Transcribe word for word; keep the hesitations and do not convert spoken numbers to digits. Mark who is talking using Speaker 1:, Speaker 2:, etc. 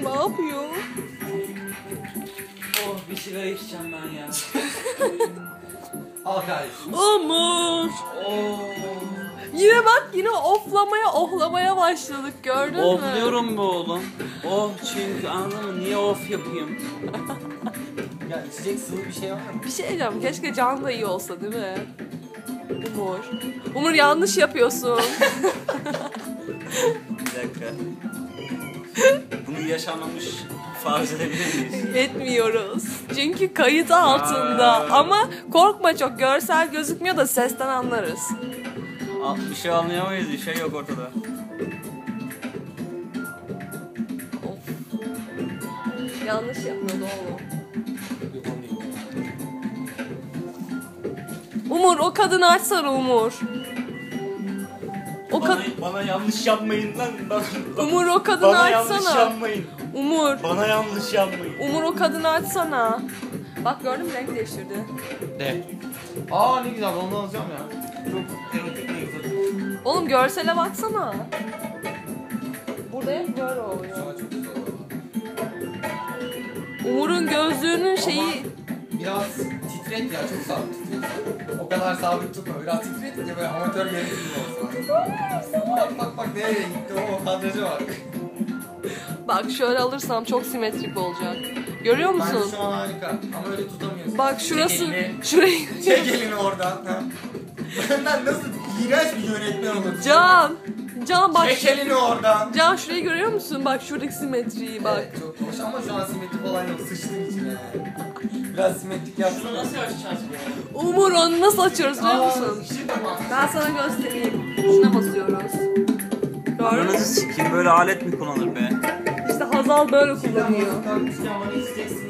Speaker 1: ne yapıyor?
Speaker 2: Oh, bir sigara içeceğim ben ya. Al kardeşim.
Speaker 1: Umur.
Speaker 2: Oh.
Speaker 1: Yine bak, yine oflamaya ohlamaya başladık, gördün mü?
Speaker 2: Ofluyorum be oğlum. Oh, çünkü anladın mı? Niye of yapayım?
Speaker 3: Ya içecek sıvı bir şey var mı?
Speaker 1: Bir şey diyeceğim, keşke Can da iyi olsa değil mi? Umur. Umur yanlış yapıyorsun.
Speaker 2: Bir dakika. Bunu yaşanmamış farz edebilir miyiz?
Speaker 1: Etmiyoruz. Çünkü kayıt altında. Ama korkma, çok görsel gözükmüyor da sesten anlarız.
Speaker 2: Al, bir şey anlayamayız, bir şey yok ortada.
Speaker 1: Of. Yanlış yapıyordu oğlum. Umur, o kadını açsana Umur. O
Speaker 2: Bana,
Speaker 1: kad
Speaker 2: bana yanlış yapmayın lan. Bana,
Speaker 1: Umur, o kadını
Speaker 2: bana yanlış
Speaker 1: açsana.
Speaker 2: yapmayın.
Speaker 1: Umur.
Speaker 2: Bana yanlış yapmayın.
Speaker 1: Umur, o kadını açsana. Bak gördün mü, renk değiştirdi.
Speaker 3: De. Aa ne güzel, onu alacağım ya. Çok erotik ne güzel.
Speaker 1: Oğlum görsele baksana. Burada hep böyle oluyor.
Speaker 3: Aa, çok güzel oldu.
Speaker 1: Umur'un gözlüğünün şeyi...
Speaker 3: Biraz titret ya, çok sabit titret. O kadar sabit tutma, biraz titretince böyle amatör yönetim olsun. Bak bak bak nereye gitti, o kadraja bak.
Speaker 1: Bak şöyle alırsam çok simetrik olacak. Görüyor musun?
Speaker 3: Bence şu an harika ama öyle tutamıyorsun.
Speaker 1: Bak şurası,
Speaker 3: Çek elini,
Speaker 1: şurayı...
Speaker 3: çek elini oradan. Ha. Benden nasıl iğrenç bir yönetmen olur.
Speaker 1: Can! Can bak...
Speaker 3: Çek elini oradan.
Speaker 1: Can şurayı görüyor musun? Bak şuradaki simetriyi bak.
Speaker 3: Evet, çok hoş ama şu an simetrik olan yok, sıçtığın için yani. Biraz simetrik yapsana.
Speaker 2: Nasıl açacağız bu?
Speaker 1: Umur, onu nasıl açıyoruz biliyor musun?
Speaker 3: ışık da bak.
Speaker 1: Ben sana göstereyim. Şuna basıyoruz. Gördün mü?
Speaker 2: Ananızı sikeyim, böyle alet mi kullanır be?
Speaker 1: İşte Hazal böyle
Speaker 3: Şimdi
Speaker 1: kullanıyor.
Speaker 3: kalkmışken bana içeceksin.